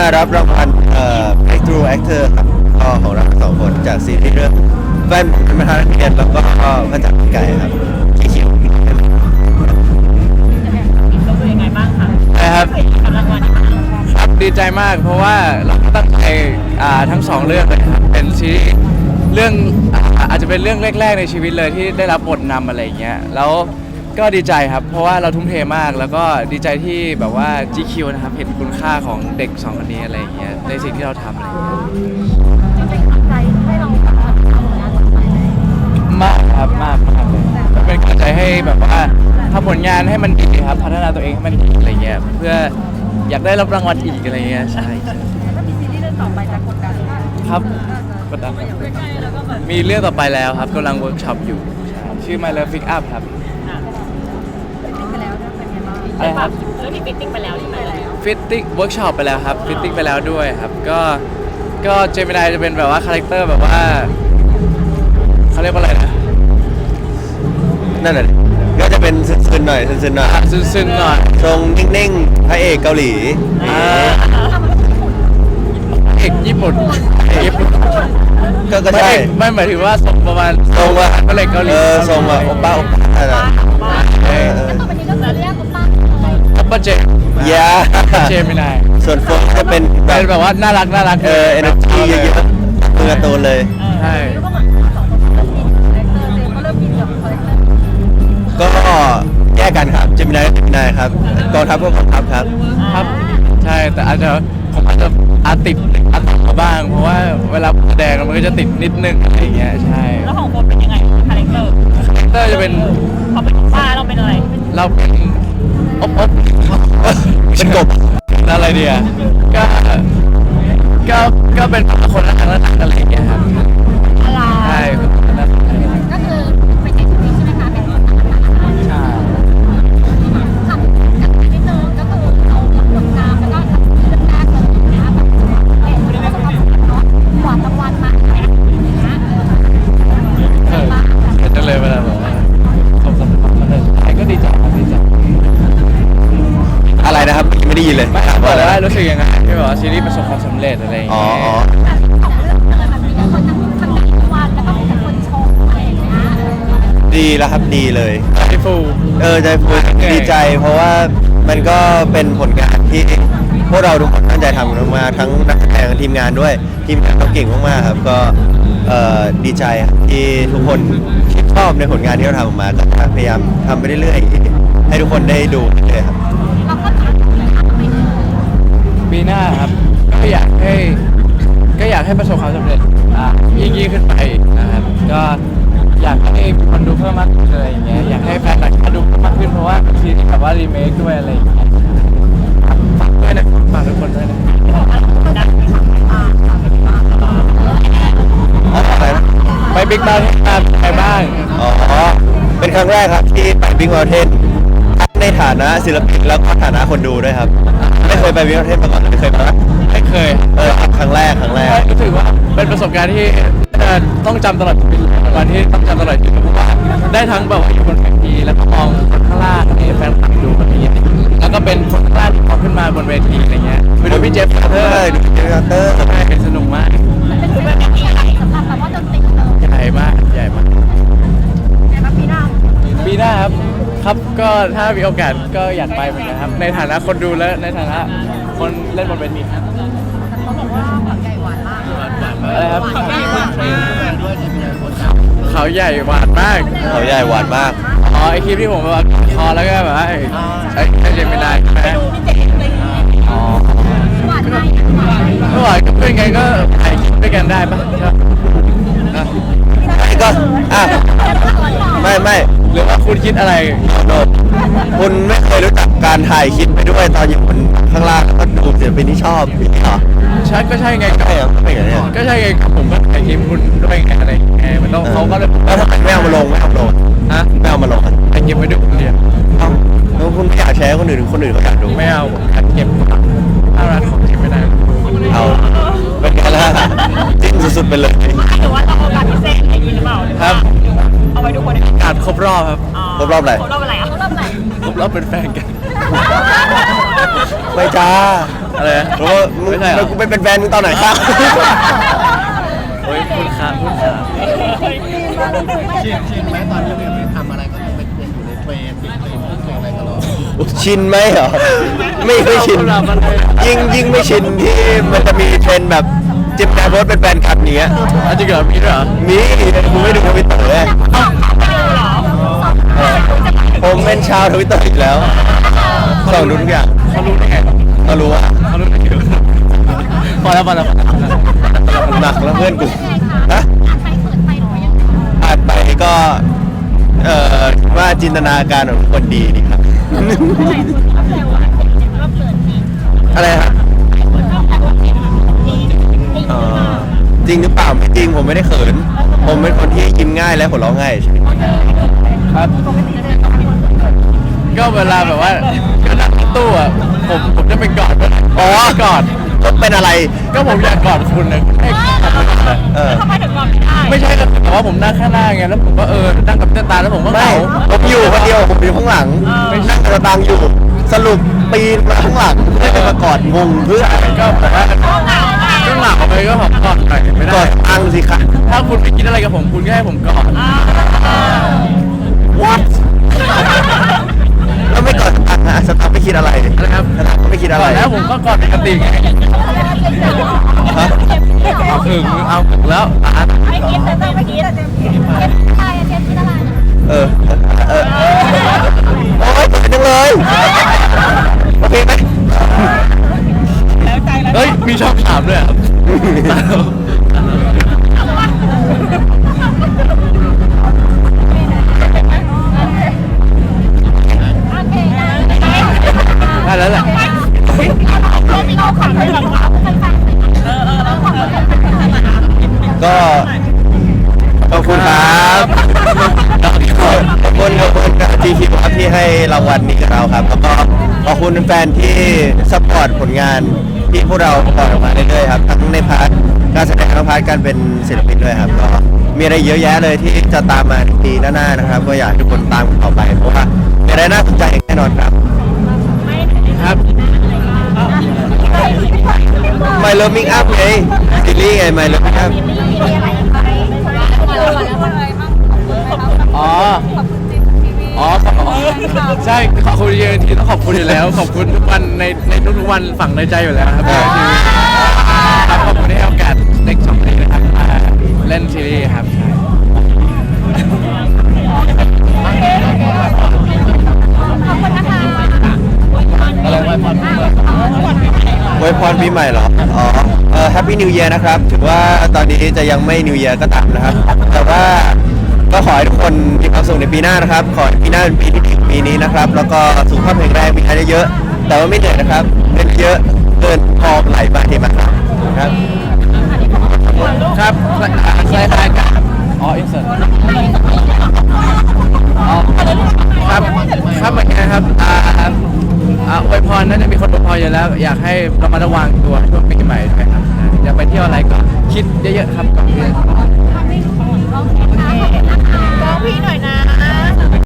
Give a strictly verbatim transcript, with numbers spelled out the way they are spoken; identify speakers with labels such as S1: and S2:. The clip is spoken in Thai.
S1: มารับรางวัลเอ่อ Breakthrough Actor ครับก็ของเราสองคนจากซีรีส์เรื่องแฟนผมเป็นประธานนักเรียนแล้วก็พระจักรไก่ครับที่เขียว
S2: รู้สึกยังไงบ้างคะ
S3: นะครับ
S2: กับรางวัลนี้บ้าง
S3: ครับดีใจมากเพราะว่าเราตั้งใจอ่าทั้งสองเรื่องเลยครับเป็นซีรีส์เรื่องอ่าอาจจะเป็นเรื่องแรกๆในชีวิตเลยที่ได้รับบทนำอะไรอย่างเงี้ยแล้วก็ดีใจครับเพราะว่าเราทุ่มเทมากแล้วก็ดีใจที่แบบว่า จี คิว นะครับเห็นคุณค่าของเด็กสองคนนี้อะไรอย่างเงี้ยในสิ่งที่เราทำอะไรอย่างเงี้ย
S2: จริงๆตั้งใจให้เราแบบทำผลงานต่อไปไหม
S3: มากครับมากมากเลยมันเป็นกำลังใจให้แบบว่าทำผลงานให้มันดีครับพัฒนาตัวเองให้มันดีอะไรเงี้ยเพื่ออยากได้รับรางวัลอีกอะไรเงี้ยใช่
S2: ถ้ามีซีรีส์เรื่องต่อไปจะกดดันไหม
S3: ครับกดดันครับมีเรื่องต่อไปแล้วครับกำลังเวิร์กช็อปอยู่ใช่ชื่อ My Love Pick Up ครับ
S2: ฟิตติ้งไปแล้วด้วยเป็นไงบ้าง
S3: อะไรครับ
S2: เรื่องนี้ฟิตติ้งไปแล้วใช่ไหมแล้ว
S3: ฟิตติ้งเวิร์กช็อปไปแล้วครับฟิตติ้งไปแล้วด้วยครับก็ก็เจมินายจะเป็นแบบว่าคาแรคเตอร์แบบว่าเขาเรียกว่าอะไรนะ
S1: นั่นแหละก็จะเป็นซึนๆหน่อยซึนๆหน่อย
S3: ซึ้งๆหน่อย
S1: ทรงนิ่งๆพระเอกเกาหลี
S3: อ่าเอกญี่ปุ่นเอกญี่ปุ่น
S1: ก็ก็
S3: ไม่
S1: ใช่
S3: ไม่หมายถึงว่าทรงประมาณ
S1: ทรงว่า
S3: พระเอกเกาหลี
S1: เออทรงว่าโอป้าโอป้าอะไร
S3: เออ
S2: แล้วต่อไปนี้ก็คือเรียกคุณป้าเลย
S3: อัปเปอร์เจม
S1: ยา
S3: เจมินาย
S1: ส่วนโฟกจะเป็นแบ
S3: เป็น
S1: บ
S3: แบบว่าน่ารักน่ารัก
S1: เออเอเนอร์จีเยอะๆมือการ์ตูนเลย
S3: ใช่
S2: แล้วก็เหมือนสองคนเริ่มกินคาแรคเตอร์เจมก็เริ่มกินกับคาแรคเตอร์
S1: ก็แยกกันครับเจมินายเจมินายครับกองทัพก็กองทัพครับ
S3: ครับใช่แต่อาจจะผมอาจจะอาติดอาติดมาบ้าง เพราะว่าเวลาแสดงมันก็จะติดนิดนึงอะไรอย่างเงี้ยใช่
S2: แล้วของโฟนเป็นยังไงคาแรคเตอร์
S3: คาแรคเตอร์จะเป็น
S2: เขาเป็นป้าเราเป็นอะไร
S3: เราเป็นอบอบ
S1: เป็นกบ
S3: อะไรเดียก็ก็ก็เป็นคนรักกันรักกันอะไรอย่างเงี้ยครับ
S2: อะไร
S3: ใช่
S2: ก็คือเป็นใช้ชีวิตใช่ไหมคะเป็นคน
S3: ใช่
S2: ทำจากนิดนึงก็คือเราหลังจบงานแล้วก็ทำเรื่องแรกเลยนะแบบเอ๊ะเราจะทำเนาะหวานรางวัลมาอะไรอย่างเงี้ย
S3: เออเห็นจังเลยเวลาแบบว่าเขาสำคัญมันเลยใช่ก็ดีใจครับดีใจ
S1: อะไรนะครับไม่ได้ยินเลย
S3: ไม่
S1: ถาม
S3: บอ
S1: ว่าก อะไร
S3: เลยว่ารู้สึกยังไงที่แบบว่าซีรีส์ประสบความสำเร็จอะไรอย่าง
S1: อ๋อ
S3: เงี้ย
S1: อ๋อ
S2: แบบของเรื่องเลยแบบมีแต่คนทั้งทั้งรางวัลแล้วก็มีแต่คนชมอะไรอย่างเงี้ย
S1: ดีแล้วครับดีเลย
S3: พี่ฟู
S1: เออใจฟูดีใจ เพราะว่ามันก็เป็นผลงานที่พวกเราทุกคนตั้งใจทำกันมากๆทั้งนักแสดงทีมงานด้วยทีมงานเขาเก่งมากๆครับก็เอ่อดีใจครับที่ทุกคนชื่นชอบในผลงานที่เราทำออกมาก็พยายามทำไปเรื่อยๆให้ทุกคนได้ดูเรื่อยๆครับ
S2: เราก็ทำไปเรื่อย
S3: ปีหน้าครับก็อยากให้ก็อยากให้ประสบความสำเร็จอ่ะยิ่งยิ่งขึ้นไปนะครับก็อยากให้คนดูเพิ่มมากขึ้นอะไรอย่างเงี้ยอยากให้แฟนต่างชาติดูเพิ่มมากขึ้นเพราะว่าบางทีแบบว่ารีเมคด้วยอะไรอย่างเงี้ยฝากด้วยนะฝากทุกคนด้วยนะ
S1: อะไรนะ
S3: ไปบิ๊กบ้านมาไปบ้าง
S1: อ๋อ เป็นครั้งแรกครับที่ไปบิ๊กมอลเทนในฐานะศิลปินแล้วก็ฐานะคนดูด้วยครับ ไม่เคยไปบิ๊กมอลเทนมาก่อนเลยไม่เคยไป
S3: ไม่เคย
S1: เออครั้งแรกครั้งแรก
S3: รู้สึกว่าเป็นประสบการณ์ที่เอ่อต้องจำตลอดชีวิตวันที่ต้องจำตลอดชีวิตเพราะว่าได้ทั้งแบบว่าอยู่บนเวทีแล้วก็มองคนข้างล่างให้แฟนคลับดูแบบนี้แล้วก็เป็นคนข้างล่างที่มองขึ้นมาบนเวทีอะไรเงี้ยไปดูพี่เจฟเตอร์
S1: ใช่ดูเจฟเตอร์
S3: ใช่เป็นสนุกมาก
S2: ๆเป็นแบบที่ใหญ่สำหรับแบบว่าดนตรีเลย
S3: ใหญ่มากใหญ่มาก
S2: แต่ว่าปีหน้า
S3: ปีหน้าครับครับก็ถ้ามีโอกาสก็อยากไปเหมือนกันครับในฐานะคนดูและในฐานะคนเล่นบนเวทีครับ
S2: แต่เขาบอกว่าแบบใหญ่หวานมาก
S3: อะไรครับ
S2: หวานมากหวานมาก
S3: เขาใหญ่หวานมาก
S1: เขาใหญ่หวานมาก
S3: อ๋อไอคลิปที่ผมแบบว่าคอแล้วก็แบบว่าไอ้ไอ้ไอ้เจมินายใช่ไหม
S2: พี่เจ๋งเลย
S3: อ๋อ
S2: หวานมากหวาน
S3: ก็หวานกับเพื่อนไงก็ถ่ายคลิปด้วยกันได้ปะใช่ปะอ่ะ
S1: ไม่ก็อ่ะไม่ไม่
S3: หรือว่าคุณคิดอะไร
S1: โนดคุณไม่เคยรู้จักการถ่ายคลิปไปด้วยตอนอยู่บนข้างล่างแล้วก็ดูศิลปินที่ชอบอย่างนี้เหรอ
S3: ใช่ก็ใช่ไงก็
S1: ใช่เหรอไม่อย่างนี้ย
S3: ก็ใช่ไงผมก็ถ่ายคลิปคุณด้วยไงอะไรไงมันต้องเขาก็เลย
S1: แล้วทำไมไม่เอามาลงไม่เอามาลง
S3: ฮะ
S1: ไม่เอามาลงอ่ะ
S3: ถ่ายคลิปไว้ดูคนเดียว
S1: เอ้าแล้วคุณไม่อยากแชร์ให้คนอื่นคนอื่นเขาอยากดู
S3: ไม่เอาผมถ่ายเก็บน่ารักของเจมินาย
S1: เอาเป็นไงล่ะจิ้นสุดๆไปเลย
S2: หรือว่าต้องเอาการพิเศษอะไรอย่างนี้หรือเปล่า
S3: ครับ
S2: เอาไว้ดูคน
S3: การครบรอบครับ
S1: ครบรอบอะไร
S2: ครบรอบอะไรอ่ะครบรอบไหน
S3: ครบรอบเป็นแฟนกัน
S1: ไม่จ้า
S3: อะไรนะ
S1: เพราะว่ามึง
S3: ไม่ใช่เหรอ
S1: กูไปเป็นแฟนมึงตอนไหนครับ
S3: โอ้ยพูดขาพูดขา
S4: ชินชินไหมตอนนี้เนี่ยทำอะไรก็ยังเป็นอยู่ในเทรนด์ติดเทรนด์ติดเทรนด์อะไรตลอด
S1: ชินไหมเหรอไม่ไม่ชินยิ่งยิ่งไม่ชินที่มันจะมีเทรนด์แบบจิบแกโพสเป็นแฟนคลับเนี้ย
S3: อ่ะจริงเหรอมีด้วยเหรอ
S1: มีกูไม่ดูทวิตเตอร์เลยผมเป็นชาวทวิตเตอร์อีกแล้วส่องดูทุกอย่าง
S3: เขารู้ได้ไง
S1: ก็รู้ว่า
S3: เขารู้ได้ไงพอแล้วพอแล้วพอแล้ว
S1: หนักแล้วเพื่อนกู
S2: นะ
S1: นะ
S2: ใครเปิดไปหรือว่ายังไง
S1: อ่านไปก็เอ่อว่าจินตนาการของคนดีดีครับ
S2: หลายคนก็แซวว่าก็เปิดดี
S1: อะไรฮะ
S2: คนก็แซวว่าเปิดดีดี
S1: เอ่อจริงหรือเปล่าไม่จริงผมไม่ได้เขิน ผมเป็นคนที่ยิ้มง่ายและหัวเราะง่ายใช่ไหม
S3: ครับ
S2: ปกติเลยต้องเป็นคนเปิด
S3: ก็เวลาแบบว่าก็นั่งรถตู้อ่ะผมผมจะไปกอด
S1: อ๋อก
S3: อด
S1: ก็เป็นอะไร
S3: ก็ผมอยากกอดคุณนะให้กอดคุณนะ
S1: เออ
S2: ทำไมถึงรอไม่ได้
S3: ไม่ใช่แต่ว่าผมนั่งข้างหน้าไงแล้วผมก็เออนั่งกับเจ้าตาแล้วผมก็เห
S1: ไม่
S3: งา
S1: ผมอยู่คนเดียวผมอยู่ข้างหลังนั่งกระตังอยู่ สรุปปีนมาข้างหลังให้มากอดงงเพื่อ
S3: ก็แบบว่าก็เหงาไปก็หอมกอดหน่อยไม่
S1: ก
S3: ได้
S1: อดตังสิคะ
S3: ถ้าคุณไม่คิดอะไรกับผมคุณก็ให้ผมกอด
S1: what แล้วไม่กอดสตังค์อะสตังค์ไม่คิดอะไร
S3: นะครับ
S1: สตังค์ก็ไม่คิดอะ
S3: ก
S1: ไร
S3: อดแล้วผมก็กอดปกติไง
S1: ฮะ
S3: เอาถึงเอาถึงแล้วอ่ะ
S2: ไม่คิดแต่ต้องไม่คิดแต่เจมส์คิดอะไรอะเจมส์คิดอะไร
S1: เออเออโอ้ยเป็นจังเลยโอเคไหม
S3: เฮ้ยมีช่องถามด้วยอ่ะ
S2: โอเคนะ
S3: ได้แล้วแหละ
S2: เราขอให้แบบว่าเป็นแฟนเออเออเราขอให้เป็นแฟน
S1: ก็ขอบคุณครับขอบคุณขอบคุณกับทีคิวครับที่ให้รางวัลนี้กับเราครับ แล้วก็ขอบคุณแฟนที่ซัพพอร์ตผลงานที่พวกเราปล่อยออกมาเรื่อยๆครับทั้งในพาร์ทการแสดงและพาร์ทการเป็นศิลปินด้วยครับก็มีอะไรเยอะแยะเลยที่จะตามมาในปีหน้าๆนะครับ ก็อยากให้ทุกคนตามกันต่อไปเพราะว่ามีอะไรน่าสนใจแน่นอนครับ
S3: ครับ
S1: My Loving Up ไงซีรีส์ไง My Loving Up
S2: มีอะไรไปแล้วอะไรบ้าง
S3: อ๋อ
S2: ขอบคุณจิมทีวี
S3: อ๋อขอบใช่ขอบคุณเยอะทีต้องขอบคุณอยู่แล้ว ขอบคุณทุกวันในในทุกๆวันฝังในใจอยู่แล้วครับทีวีครับขอบคุณที่ให้โอกาสเด็กสองคนนะครับมาเล่นซีรีส์ครับ
S2: ขอบคุณนะคะ
S3: อะไรไว้พอ
S1: อวยพรปีใหม่เหรอ อ๋อ เออ Happy New Year นะครับ ถือว่าตอนนี้จะยังไม่ New Year ก็ตามนะครับ แต่ว่าก็ขอให้ทุกคนมีความสุขในปีหน้านะครับ ขอให้ปีหน้าเป็นปีที่ดีกว่าปีนี้นะครับ แล้วก็สุขภาพแข็งแรงมีงานเยอะๆแต่ว่าไม่เหนื่อยนะครับเงินเยอะเกินพอไหลมาเทมาครับครับ
S3: ครับคล้ายคล้ายๆกันอ๋ออินเสิร์ตอ๋อครับครับเหมือนกันครับอ่าอ่าอวยพรน่าจะมีคนอวยพรอยู่แล้ว อยากให้ระมัดระวังตัวช่วงปีใหม่ด้วยครับอย่าไปเที่ยวอะไรก็คิดเยอะๆครับก่อนที่จะ